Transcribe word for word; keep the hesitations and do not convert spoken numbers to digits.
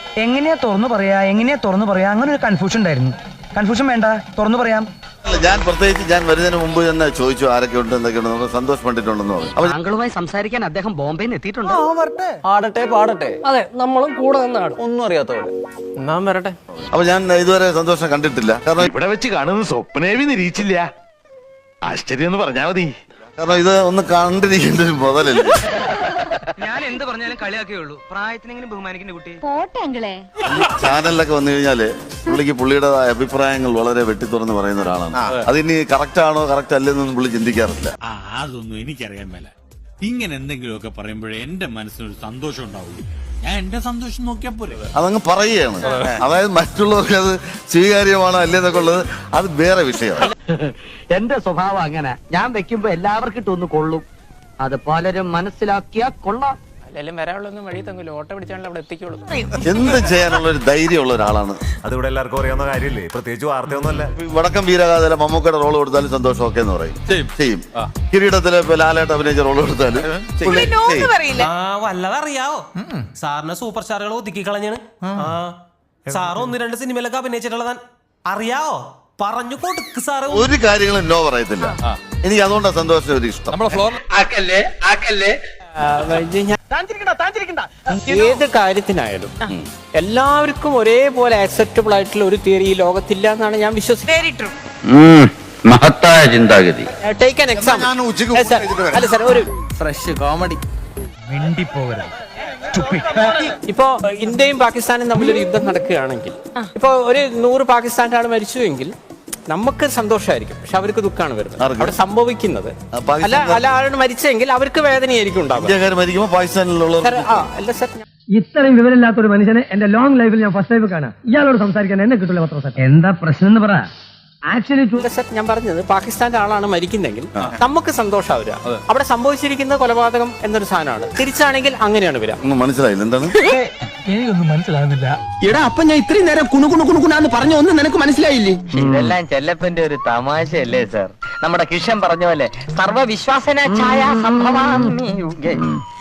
എങ്ങനെയാ തുറന്നു പറയാ എങ്ങനെയാ തുറന്നു പറയാ അങ്ങനെ ഒരു കൺഫ്യൂഷൻ ഉണ്ടായിരുന്നു. കൺഫ്യൂഷൻ വേണ്ട, തുറന്നു പറയാം. ഞാൻ പ്രത്യേകിച്ച് ഞാൻ വരുന്നതിന് മുമ്പ് തന്നെ ചോദിച്ചു ആരൊക്കെ ഉണ്ട് എന്തൊക്കെയുണ്ട് നമ്മൾ സന്തോഷം പണ്ടിട്ടുണ്ടെന്ന് പറഞ്ഞു. അപ്പൊ താങ്കളുമായി സംസാരിക്കാൻ അദ്ദേഹം ബോംബെയിൽ എത്തിയിട്ടുണ്ട്. ആടട്ടെ പാടട്ടെ. അതെ, നമ്മളും കൂടെ നിന്നാണ്. ഒന്നും അറിയാത്ത പോലെ നാം വരട്ടെ. അപ്പൊ ഞാൻ ഇതുവരെ സന്തോഷം കണ്ടിട്ടില്ല. കാരണം ഇവിടെ വെച്ച് കാണുന്ന സ്വപ്നേവി നിരീക്ഷില്ല. ആശ്ചര്യം എന്ന് പറഞ്ഞാ മതി. കാരണം ഇത് ഒന്ന് കണ്ടിരിക്കേണ്ട ഒരു മുതലല്ലേ. ഞാൻ എന്ത് പറഞ്ഞാലും കളിയാക്കേയുള്ളൂ. പ്രായത്തിനെങ്കിലും ബഹുമാനിക്കുന്ന കുട്ടി. പോട്ടെങ്കിലേ ചാനലിലൊക്കെ വന്നു കഴിഞ്ഞാല് പുള്ളിക്ക് പുള്ളിയുടേതായ അഭിപ്രായങ്ങൾ വളരെ വെട്ടിത്തുറന്ന് പറയുന്ന ഒരാളാണ്. അതിനി കറക്റ്റ് ആണോ കറക്റ്റ് അല്ലെന്നൊന്നും പുള്ളി ചിന്തിക്കാറില്ല. ആ അതൊന്നും എനിക്കറിയാൻ മേല. ഇങ്ങനെ എന്തെങ്കിലുമൊക്കെ പറയുമ്പോഴേ എന്റെ മനസ്സിനൊരു സന്തോഷം ഉണ്ടാവുള്ളൂ. ഞാൻ എന്റെ സന്തോഷം നോക്കിയാ പോരെ. അതങ്ങ് പറയുകയാണ്. അതായത് മറ്റുള്ളവർക്ക് അത് സ്വീകാര്യമാണോ അല്ലേന്നൊക്കെ ഉള്ളത് അത് വേറെ വിഷയമാണ്. എന്റെ സ്വഭാവം അങ്ങനെ. ഞാൻ വെക്കുമ്പോ എല്ലാവർക്കും ഇട്ടൊന്ന് കൊള്ളും. അത് പലരും മനസ്സിലാക്കിയാ കൊള്ളാം. അല്ലെങ്കിലും വരാനുള്ളൊന്നും വഴി തങ്ങൂല. ഓട്ടോ പിടിച്ചാണല്ലോ അവിടെ എത്തിക്കുള്ളൂ. എന്ത് ചെയ്യാനുള്ള ഒരു ധൈര്യമുള്ള ഒരാളാണ്. അതിവിടെ എല്ലാവർക്കും അറിയാവുന്ന കാര്യമില്ലേ, പ്രത്യേകിച്ച് വാർത്തയൊന്നുമല്ല. വടക്കം വീരഗാഥയിലെ മമ്മൂക്കയുടെ റോൾ കൊടുത്താലും സന്തോഷം ഒക്കെ എന്ന് പറയും. ചെയ്യും. കിരീടത്തിലെ ലാലേട്ട് അഭിനയിച്ച റോൾ കൊടുത്താലും വല്ലതറിയാവോ? സാറിന് സൂപ്പർ സ്റ്റാറുകൾ ഒതുക്കി കളഞ്ഞാണ്. സാറ് ഒന്ന് രണ്ട് സിനിമയിലൊക്കെ അഭിനയിച്ചിട്ടുള്ളതാ അറിയാവോ? പറഞ്ഞു കൊടുക്ക് സാറ്. ഒരു കാര്യങ്ങളും നോ പറയത്തില്ല. എനിക്ക് അതുകൊണ്ടാണ് സന്തോഷം ഒരു ഇഷ്ടം. ഏത് കാര്യത്തിനായാലും എല്ലാവർക്കും ഒരേപോലെ ആക്സെപ്റ്റബിൾ ആയിട്ടുള്ള ഒരു തിയറി ഈ ലോകത്തില്ല എന്നാണ് ഞാൻ വിശ്വസിക്കുന്നത്. മഹത്തായ ചിന്താഗതി. Take an example. അല്ല സാർ, ഒരു ഫ്രഷ് കോമഡി. ഇപ്പോ ഇന്ത്യയും പാകിസ്ഥാനും തമ്മിലൊരു യുദ്ധം നടക്കുകയാണെങ്കിൽ ഇപ്പൊ ഒരു നൂറ് പാകിസ്ഥാൻ്റെ ആൾ മരിച്ചുവെങ്കിൽ നമുക്ക് സന്തോഷമായിരിക്കും, പക്ഷെ അവർക്ക് ദുഃഖമാണ് വരുന്നത്. അവിടെ സംഭവിക്കുന്നത് അല്ല അല്ല ആളാണ് മരിച്ചെങ്കിൽ അവർക്ക് വേദനയായിരിക്കും ഉണ്ടാവുക. അല്ല സാർ, ഇത്രയും വിവരമില്ലാത്ത ഒരു മനുഷ്യനെ എന്റെ ലോങ് ലൈഫിൽ ഞാൻ ഫസ്റ്റ് ലൈഫ് കാണാം. ഇയാളോട് സംസാരിക്കാൻ എന്നെ കിട്ടില്ല പത്ര. എന്താ പ്രശ്നം എന്ന് പറ. ആക്ച്വലി ഞാൻ പറഞ്ഞത് പാകിസ്ഥാന്റെ ആളാണ് മരിക്കുന്നെങ്കിൽ നമുക്ക് സന്തോഷമാവുക. അവിടെ സംഭവിച്ചിരിക്കുന്ന കൊലപാതകം എന്നൊരു സാധനമാണ്. തിരിച്ചാണെങ്കിൽ അങ്ങനെയാണ് വരിക. മനസ്സിലായില്ല എന്താണ് എനിക്കൊന്നും മനസ്സിലാകുന്നില്ല. എടാ, അപ്പൊ ഞാൻ ഇത്രയും നേരം കുണുകുണു കുണുകുണാന്ന് പറഞ്ഞ ഒന്നും നിനക്ക് മനസ്സിലായില്ലേ? ഇതെല്ലാം ചെല്ലപ്പന്റെ ഒരു തമാശയല്ലേ സാർ? നമ്മുടെ കിഷൻ പറഞ്ഞ പോലെ സർവവിശ്വാസന ഛായ സംഭവാമി യുഗേ.